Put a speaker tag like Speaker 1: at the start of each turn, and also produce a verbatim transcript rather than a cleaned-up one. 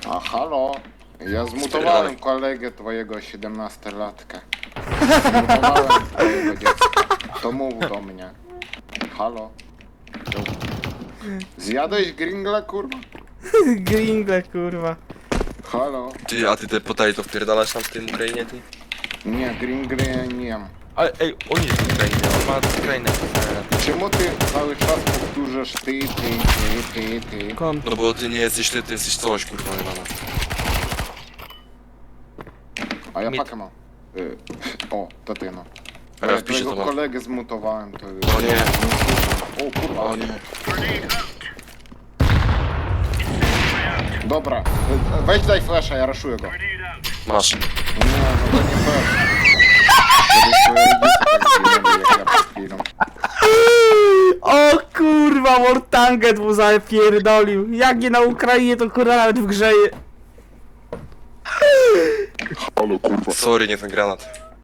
Speaker 1: A halo? Ja zmutowałem kolegę twojego siedemnastolatka. Zmutowałem twojego dziecka. To mów do mnie. Halo? Zjadłeś gringla, kurwa?
Speaker 2: Gringle, kurwa.
Speaker 1: Halo?
Speaker 3: Ty, a ty te potato wpierdalasz tam w tym Ukrainie, ty?
Speaker 1: Nie, gringle ja nie jem.
Speaker 3: Ale ej, on jest z Ukrainy, on ma z Ukrainy.
Speaker 1: Czemu ty cały czas powtórzasz ty, ty, ty, ty, ty?
Speaker 2: Kon.
Speaker 3: No bo ty nie jesteś ty, ty jesteś coś, kurwa, nie mama.
Speaker 1: A ja
Speaker 3: Mit.
Speaker 1: pakę mam. Y, o, to ty no.
Speaker 3: A
Speaker 1: Ja
Speaker 3: ja wpiszę
Speaker 1: twojego
Speaker 3: to mam.
Speaker 1: kolegę zmutowałem, to...
Speaker 3: O nie.
Speaker 1: O kurwa.
Speaker 3: O nie.
Speaker 1: Dobra, y, weź daj flasha, ja raszuję go.
Speaker 3: Masz.
Speaker 1: Nie, no to nie fair. Żebyś twoje rodzice tak zginęli, jak ja przed chwilą.
Speaker 2: O kurwa, Mortanget mu zapierdolił. Jak nie na Ukrainie, to kurwa nawet w grze je...
Speaker 3: Sorry, nie ten granat.